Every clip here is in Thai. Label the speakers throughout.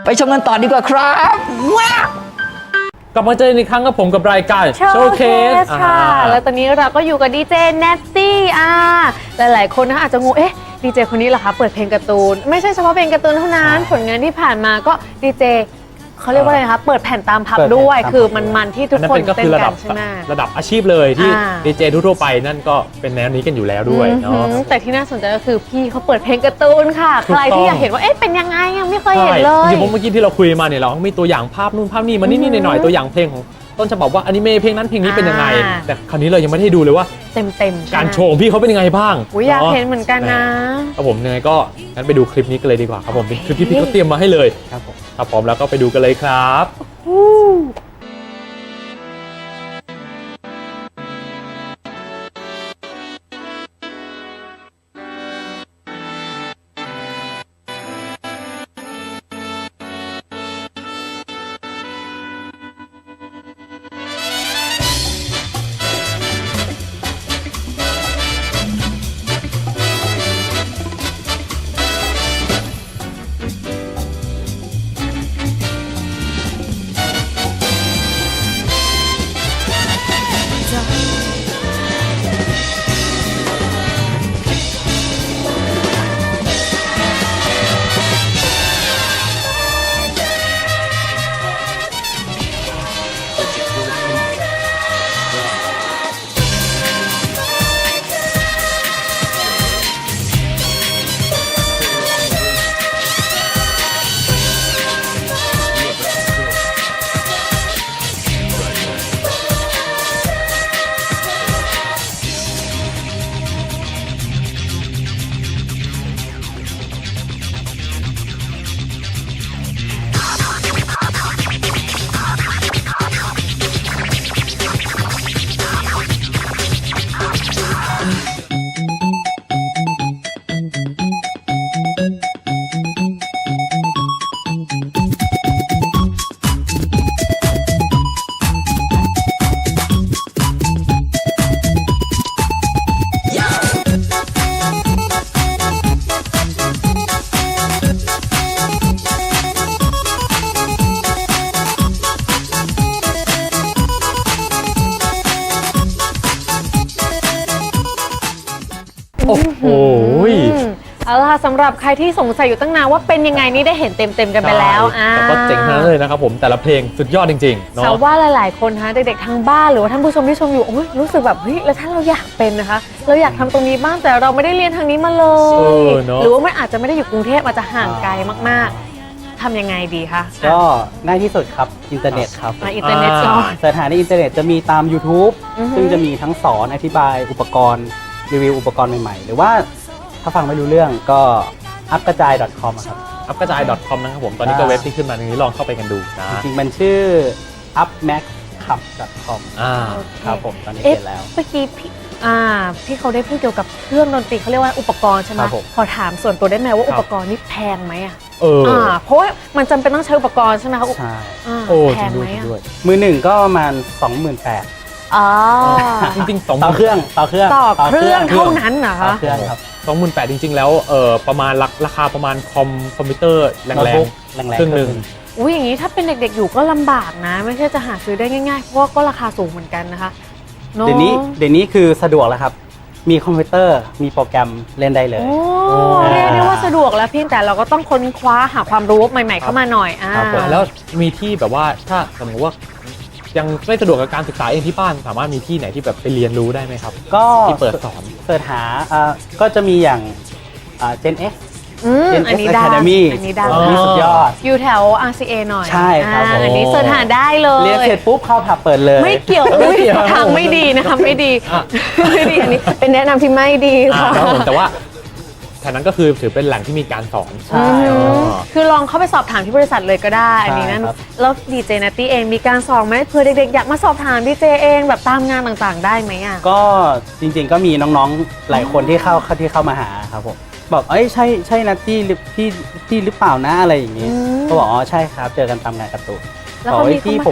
Speaker 1: ไปชมกันต่อดีกว่าครับว้าว
Speaker 2: กลับมาเจออีกครั้งกับผมกับรายการโชว์เคส
Speaker 3: ค่ะแล้วตอนนี้เราก็อยู่กับดีเจเนตตี้หลายๆคนนะอาจจะงงดีเจคนนี้เหรอคะเปิดเพลงการ์ตูนไม่ใช่เฉพาะเพลงการ์ตูนเท่านั้นผลงานที่ผ่านมาก็ดีเจเขาเรียกว่าอะไรคะเปิดแผ่นตามผับด้วยคือมันที่ทุกคนเต้นกันใช่ไหม
Speaker 2: ระดับอาชีพเลยที่ดีเจทั่วไปนั่นก็เป็นแนวนี้กันอยู่แล้วด้วยเนาะ
Speaker 3: แต่ที่น่าสนใจก็คือพี่เขาเปิดเพลงการ์ตูนค่ะใครที่อยากเห็นว่าเป็นยังไงยังไม่เคยเห็นเลย
Speaker 2: จริงๆเมื่อกี้ที่เราคุยมาเนี่ยเราก็มีตัวอย่างภาพนู่นภาพนี่มานิดๆหน่อยๆตัวอย่างเพลงของต้นฉบับว่าอนิเมะเพลงนั้นเพลงนี้เป็นยังไงแต่คราวนี้เรายังไม่ได้ดูเลยว่า
Speaker 3: เต็ม
Speaker 2: การโชว์พี่เขาเป็นยังไงบ้าง
Speaker 3: อยากเห็นเหมือนกันนะครับ
Speaker 2: ผมยังไงก็งั้นไปดูคลิปนี้กันเลยดีกว่าครับผมเป็นคลิปที่พี่เขาเตรียมมาให้เลยครับผมถ้าพร้อมแล้วก็ไปดูกันเลยครับโอ้โห
Speaker 3: เอาล่ะสำหรับใครที่สงสัยอยู่ตั้งนานว่าเป็นยังไงนี่ได้เห็นเต็มกันไปแล้ว
Speaker 2: แต่ก็เจ๋งทั้งนั้นเลยนะครับผมแต่ละเพลงสุดยอดจริงๆเนาะ
Speaker 3: แต่ว่าหลายๆคนเด็กๆทางบ้านหรือว่าท่านผู้ชมที่ชมอยู่รู้สึกแบบแล้วถ้าเราอยากเป็นนะคะเราอยากทำตรงนี้บ้างแต่เราไม่ได้เรียนทางนี้มาเลยหรือว่ามันอาจจะไม่ได้อยู่กรุงเทพอาจจะห่างไกลมากๆทำยังไงดีคะ
Speaker 4: ก็ง่ายที่สุดครับอินเทอร์เน็ตครับ
Speaker 3: อินเทอร์เน็ตก่อน
Speaker 4: เสิร์ชหาในอินเทอร์เน็ตจะมีตาม YouTube ซึ่งจะมีทั้งสอนอธิบายอุปกรณ์รีวิวอุปกรณ์ใหม่ๆหรือว่าถ้าฟังไม่รู้เรื่องก็ upgajai.com ครับ
Speaker 2: upgajai.com นะครับผมตอนนี้ก็เว็บที่ขึ้นมาตรงนี้ลองเข้าไปกันดูนะ
Speaker 4: จริงๆมันชื่อ upmaxclub.com ครับผมตอนนี้เสร็จแล้ว
Speaker 3: เมื่อกี้พี่เขาได้พูดเกี่ยวกับเครื่องดนตรีเขาเรียกว่าอุปกรณ์ใช่ไหมขอถามส่วนตัวได้ไหมว่าอุปกรณ์นี่แพงไหมเพราะว่ามันจำเป็นต้องใช้อุปกรณ์ใช่ไหมคะ
Speaker 4: ใช่
Speaker 3: แพงไหม
Speaker 4: มือหนึ่งก็ประมาณ 28,000
Speaker 2: จริงๆ
Speaker 4: ต่อเครื่องเท่
Speaker 3: านั้นเหรอคะ
Speaker 4: เครื่องครับ
Speaker 2: 28,000จริงๆแล้วประมาณราคาประมาณคอมพิวเตอร์แรงๆเครื่องหนึ่ง
Speaker 3: อย่างนี้ถ้าเป็นเด็กๆอยู่ก็ลำบากนะไม่ใช่จะหาซื้อได้ง่ายๆเพราะว่าก็ราคาสูงเหมือนกันนะคะ
Speaker 4: เดี๋ยวนี้คือสะดวกแล้วครับมีคอมพิวเตอร์มีโปรแกรมเล่นได้เลย
Speaker 3: เรียกได้ว่าสะดวกแล้วเพียงแต่เราก็ต้องค้นคว้าหาความรู้ใหม่ๆเข้ามาหน่อย
Speaker 2: แล้วมีที่แบบว่าถ้าสมมติว่ายังไม่สะดวกกับการศึกษาเองที่บ้านสามารถมีที่ไหนที่แบบไปเรียนรู้ได้ไหมครับ
Speaker 4: ก็
Speaker 2: ที่เปิดสอน
Speaker 4: เสิร์ชหาก็จะมีอย่างGen X
Speaker 3: อันนี้ได้อัน
Speaker 4: นี้สุดยอด
Speaker 3: อยู่แถว RCA หน่อย
Speaker 4: ใช่ครับ
Speaker 3: อันนี้เสิร์ชหาได้เลย
Speaker 4: เรียนเสร็จปุ๊บเข้าผับเปิดเลย
Speaker 3: ไม่เกี่ยวทางไม่ดีนะคะไม่ดีอันนี้เป็นแนะนำที่ไม่ดีค่ะ
Speaker 2: แต่ว่าแถวนั้นก็คือถือเป็นแหล่งที่มีการสอน
Speaker 4: ใช่
Speaker 3: คือลองเข้าไปสอบถามที่บริษัทเลยก็ได้อันนี้นั่นแล้วดีเจนัตตี้เองมีการสอนไหมเผื่อเด็กๆอยากมาสอบถามดีเจเองแบบตามงานต่างๆได้ไหม
Speaker 4: ก็จริงๆก็มีน้องๆหลายคนที่เข้ามาหาครับผมบอกใช่นัตตี้ที่หรือเปล่านะอะไรอย่างนี้ก็บอกอ๋อใช่ครับเจอกันตามงานการ์ตูนบอกที่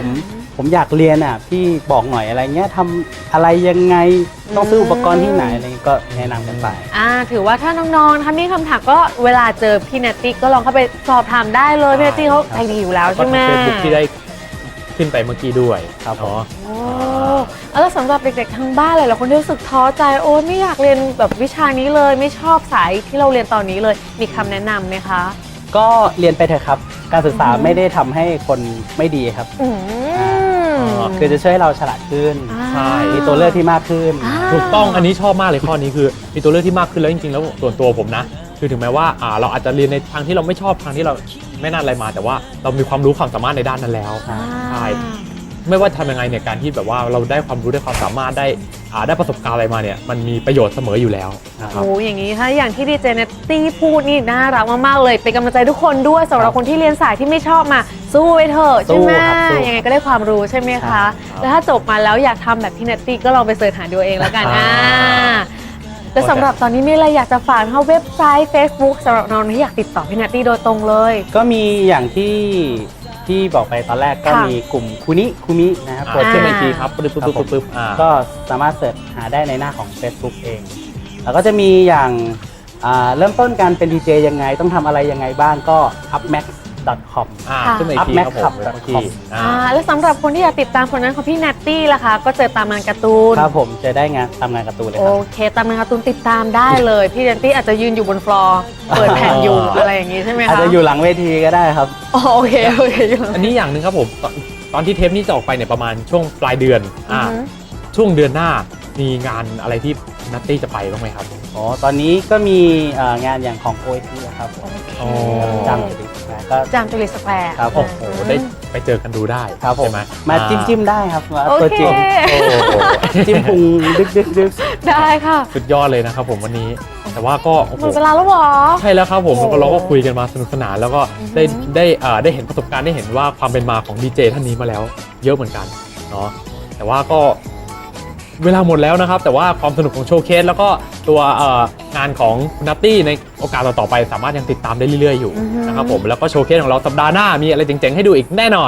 Speaker 4: ผมอยากเรียนอ่ะพี่บอกหน่อยอะไรเงี้ยทำอะไรยังไงต้องซื้ออุปกรณ์ที่ไหนอะไรเงี้ยก็แนะนำกันไป
Speaker 3: ถือว่าถ้าน้องๆนะคะมีคำถามก็เวลาเจอพี่นัตตี้ก็ลองเข้าไปสอบถามได้เลยพี่นัตตี้เขาใจดีอยู่แล้ว
Speaker 2: ก็
Speaker 3: ใช่ไหม
Speaker 2: ทางเฟซบุ๊กที่ได้ขึ้นไปเมื่อกี้ด้วย
Speaker 4: ครับผม
Speaker 2: เนาะ
Speaker 3: โอ้แล้วสำหรับเด็กๆทางบ้านหลายๆคนที่รู้สึกท้อใจโอ้ไม่อยากเรียนแบบวิชานี้เลยไม่ชอบสายที่เราเรียนตอนนี้เลยมีคำแนะนำไหมคะ
Speaker 4: ก็เรียนไปเถอะครับ การศึกษาไม่ได้ทำให้คนไม่ดีครับ
Speaker 3: อืม
Speaker 4: คือจะช่วยให้เราฉลาดขึ้น
Speaker 2: ใช่
Speaker 4: มีตัวเลือกที่มากขึ้น
Speaker 2: ถูกต้องอันนี้ชอบมากเลยข้อนี้คือมีตัวเลือกที่มากขึ้นแล้วจริงๆแล้วส่วนตัวผมนะคือถึงแม้ว่าเราอาจจะเรียนในทางที่เราไม่ชอบทางที่เราไม่น่าอะไรมา แต่ว่าเรามีความรู้ความสามารถในด้านนั้นแล้วใช่ไม่ว่าทำยังไงเนี่ยการที่แบบว่าเราได้ความรู้ได้ความสามารถได้ประสบการณ์อะไรมาเนี่ยมันมีประโยชน์เสมออยู่แล้วนะครับ
Speaker 3: โอ้อย่างนี้ถ้าอย่างที่ดีเจเนตตี้พูดนี่น่ารักมากๆเลยเป็นกำลังใจทุกคนด้วยสำหรับคนที่เรียนสายที่ไม่ชอบมาสู้ไว้เถอะใช่ไหม
Speaker 4: สู้ครับสู้
Speaker 3: ยังไงก็ได้ความรู้ใช่ไหมคะแล้วถ้าจบมาแล้วอยากทำแบบพี่เนตตี้ก็ลองไปเสิร์ชหาดูเองแล้วกันแต่สำหรับตอนนี้มีอะไรอยากจะฝากเข้าเว็บไซต์ Facebook สำหรับน้องที่อยากติดต่อพี่เนตตี้โดยตรงเลย
Speaker 4: ก็มีอย่างที่บอกไปตอนแรกก็
Speaker 3: ค่ะ
Speaker 4: มีกลุ่มคุมินะครับ
Speaker 2: กดขึ้นมาอีกทีครับปึ๊บปึ๊บ
Speaker 4: ครับผม
Speaker 2: ปึ๊บ
Speaker 4: ก็สามารถเสิร์ชหาได้ในหน้าของ Facebook เอง แล้วก็จะมีอย่างเริ่มต้นการเป็นดีเจยังไงต้องทำอะไรยังไงบ้างก็ upmax.com
Speaker 2: ขึ้นมาอีกทีครับผม
Speaker 4: upmax.com
Speaker 2: เมื่อกี้
Speaker 3: แล้วสำหรับคนที่อยากติดตามผลงานของพี่เนตตี้ล่ะคะก็เจอตามงานการ์ตูน
Speaker 4: ครับผมจะได้ตามงานการ์ตูนเลยค
Speaker 3: โอ
Speaker 4: รับ
Speaker 3: เคตามงานการ์ตูนติดตามได้เลยพี่เนตตี้อาจจะยืนอยู่บนฟลอร์เปิดแผ่นอยู่อะไรอย่างนี้ใช่ไหมคะ
Speaker 4: อาจจะอยู่หลังเวทีก็ได้ครับ
Speaker 3: โอเคอยู่
Speaker 2: อันนี้อย่างหนึ่งครับผมตอนที่เทปนี้จะออกไปเนี่ยประมาณช่วงปลายเดือน
Speaker 3: อือฮึ
Speaker 2: ช่วงเดือนหน้ามีงานอะไรที่นัตตี้จะไปบ้างไหมครับ
Speaker 4: อ๋อ ตอนนี้ก็มีงานอย่างของ OIT ครับผม
Speaker 2: อ๋อ
Speaker 4: จำจุดก็
Speaker 3: จามจุลิสแควร์
Speaker 4: ครับผ
Speaker 2: โอ้
Speaker 4: ม
Speaker 2: โหได้ไปเจอกันดูได้
Speaker 4: ครับผม
Speaker 2: ใช่ไหม
Speaker 4: มาจิ้มได้ครับมา
Speaker 3: โอ
Speaker 4: ตัว
Speaker 3: เค
Speaker 4: จริง
Speaker 2: โอ้โห
Speaker 4: จิ้มพุงดึก
Speaker 3: ได้ค่ะ
Speaker 2: สุดยอดเลยนะครับผมวันนี้ แต่ว่าก็โอ้
Speaker 3: ห
Speaker 2: โห
Speaker 3: มดเวลาแล้วเหรอ
Speaker 2: ใช่แล้วครับผม
Speaker 3: โอ้โห
Speaker 2: เราก็คุยกันมาสนุกสนานแล้วก็ได้
Speaker 3: อือฮึ
Speaker 2: ได้เห็นประสบการณ์ได้เห็นว่าความเป็นมาของดีเจท่านนี้มาแล้วเยอะเหมือนกันเนาะแต่ว่าก็เวลาหมดแล้วนะครับ แต่ว่าความสนุกของโชว์เคสแล้วก็ตัวงานของคุณนัตตี้ในโอกาสต่อๆไปสามารถยังติดตามได้เรื่อยๆอยู่นะครับผมแล้วก็โชว์เคสของเราสัปดาห์หน้ามีอะไรเจ๋งๆให้ดูอีกแน่นอน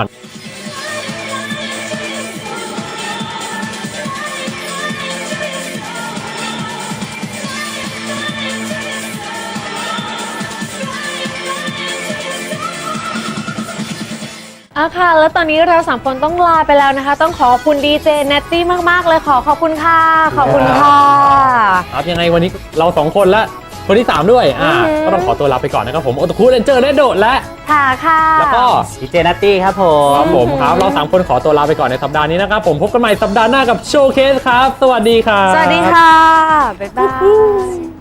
Speaker 3: ค่ะ แล้วตอนนี้เราสามคนต้องลาไปแล้วนะคะ ต้องขอบคุณดีเจเนตตี้มากๆเลยขอบคุณค่ะ ขอบคุณค่ะ
Speaker 2: ครับยังไงวันนี้เราสองคนและคนที่ 3 ด้วยก็ต้องขอตัวลาไปก่อนนะครับผมโอตคุเรนเจอร์และโดดและ
Speaker 3: ค่ะค่ะ
Speaker 2: แล้วก็
Speaker 4: ดีเจนัตตี้ครับผม
Speaker 2: ครับผมครับเรา 3 คนขอตัวลาไปก่อนในสัปดาห์นี้นะครับผมพบกันใหม่สัปดาห์หน้ากับโชว์เคสครับ สวัสดีครับ
Speaker 3: สวัสดีค่ะ บ๊ายบาย